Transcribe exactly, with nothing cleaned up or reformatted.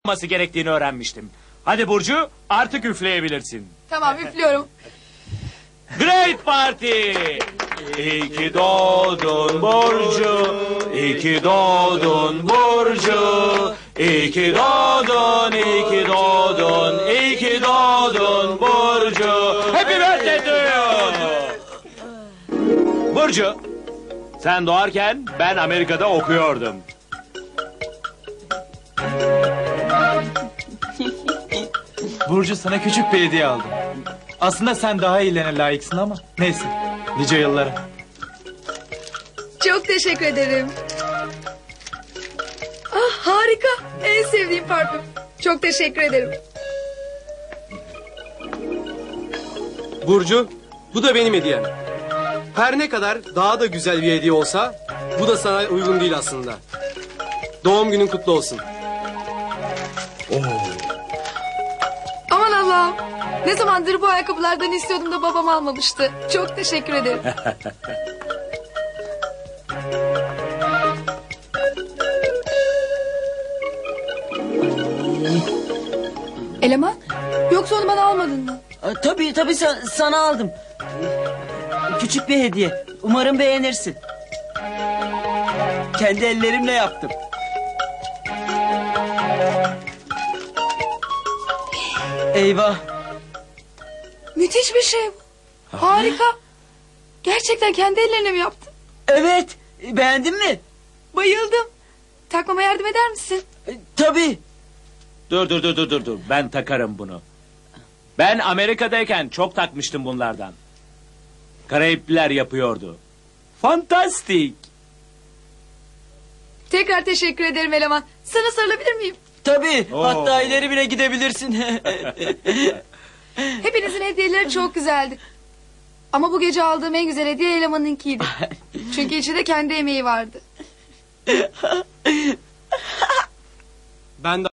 olması gerektiğini öğrenmiştim. Hadi Burcu, artık üfleyebilirsin. Tamam, üflüyorum. Great Party! İyi ki doğdun Burcu, iyi ki doğdun Burcu, iyi ki doğdun, iyi ki doğdun, iyi ki doğdun Burcu. Happy birthday to you! Burcu, sen doğarken ben Amerika'da okuyordum. Burcu, sana küçük bir hediye aldım. Aslında sen daha iyilerine layıksın ama neyse. Nice yıllara. Çok teşekkür ederim. Ah, harika. En sevdiğim parfüm. Çok teşekkür ederim. Burcu, bu da benim hediyem. Her ne kadar daha da güzel bir hediye olsa, bu da sana uygun değil aslında. Doğum günün kutlu olsun. Aman Allah'ım. Ne zamandır bu ayakkabılardan istiyordum da babam almamıştı. Çok teşekkür ederim. Eleman, yoksa onu bana almadın mı? Aa, Tabii tabii sa- sana aldım. Küçük bir hediye. Umarım beğenirsin. Kendi ellerimle yaptım. Eyvah. Müthiş bir şey bu. Harika. Gerçekten kendi ellerine mi yaptın? Evet. Beğendin mi? Bayıldım. Takmama yardım eder misin? E, Tabii. Dur dur dur dur dur dur. Ben takarım bunu. Ben Amerika'dayken çok takmıştım bunlardan. Karayipliler yapıyordu. Fantastik. Tekrar teşekkür ederim eleman. Sana sarılabilir miyim? Tabii. Oo. Hatta ileri bile gidebilirsin. Hepinizin hediyeleri çok güzeldi. Ama bu gece aldığım en güzel hediye elemanınkiydi. Çünkü içinde kendi emeği vardı. Ben de